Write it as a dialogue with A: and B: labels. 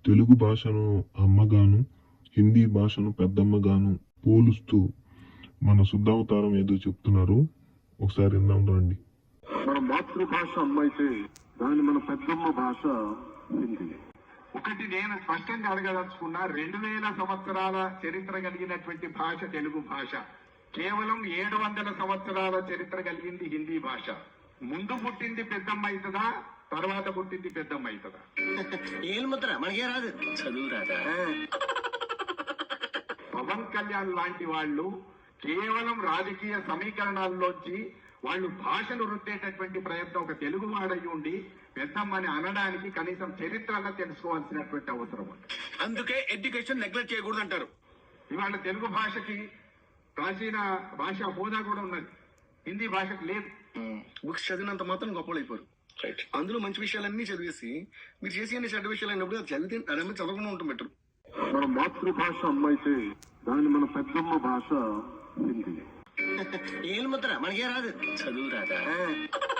A: తెలుగు భాషను అమ్మగాను, హిందీ భాషను పెద్దమ్మగాను పోలుస్తూ మన శుద్ధావతారం ఏదో చెప్తున్నారు. ఒకసారి విందాం రండి.
B: మన మాతృభాష అమ్మ అయితే దాని మన పెద్దమ్మ భాష హిందీ.
C: ఒకటి నేను స్పష్టంగా అడగదలుచుకున్న 2000 సంవత్సరాల చరిత్ర కలిగినటువంటి భాష తెలుగు భాష. కేవలం 700 సంవత్సరాల చరిత్ర కలిగింది హిందీ భాష. ముందు పుట్టింది పెద్దమ్మ అవుతుందా, తర్వాత పుట్టింది పెద్దమ్మ అవుతుందా?
D: ఏలుముద్ర మనకే రాదు, చదువు రాదా?
C: పవన్ కళ్యాణ్ లాంటి వాళ్ళు కేవలం రాజకీయ సమీకరణాల్లోంచి వాళ్ళు భాషను రుద్దేటటువంటి ప్రయత్నం ఒక తెలుగు వాడయి ఉండి పెద్దమ్మని అనడానికి కనీసం చరిత్రగా తెలుసుకోవాల్సినటువంటి అవసరం ఉంది.
D: అందుకే ఎడ్యుకేషన్ నెగ్లెక్ట్ చేయకూడదు అంటారు.
C: ఇవాళ తెలుగు భాషకి ప్రాచీన భాష హోదా కూడా ఉన్నది, హిందీ భాషకు లేదు.
D: బుక్స్ చదివినంత మాత్రం గొప్పలైపోరు. అందులో మంచి విషయాలన్నీ చదివేసి మీరు చేసి అన్ని చెడ్డ విషయాలు అయినప్పుడు అది చదివితే అదే చదవకుండా ఉంటాం బెటర్.
B: మన మాతృభాష అమ్మ అయితే దాని మన పెద్దమ్మ భాష హిందీ.
D: ఏలుముద్ర మనకే రాదు, చదువు రాదా?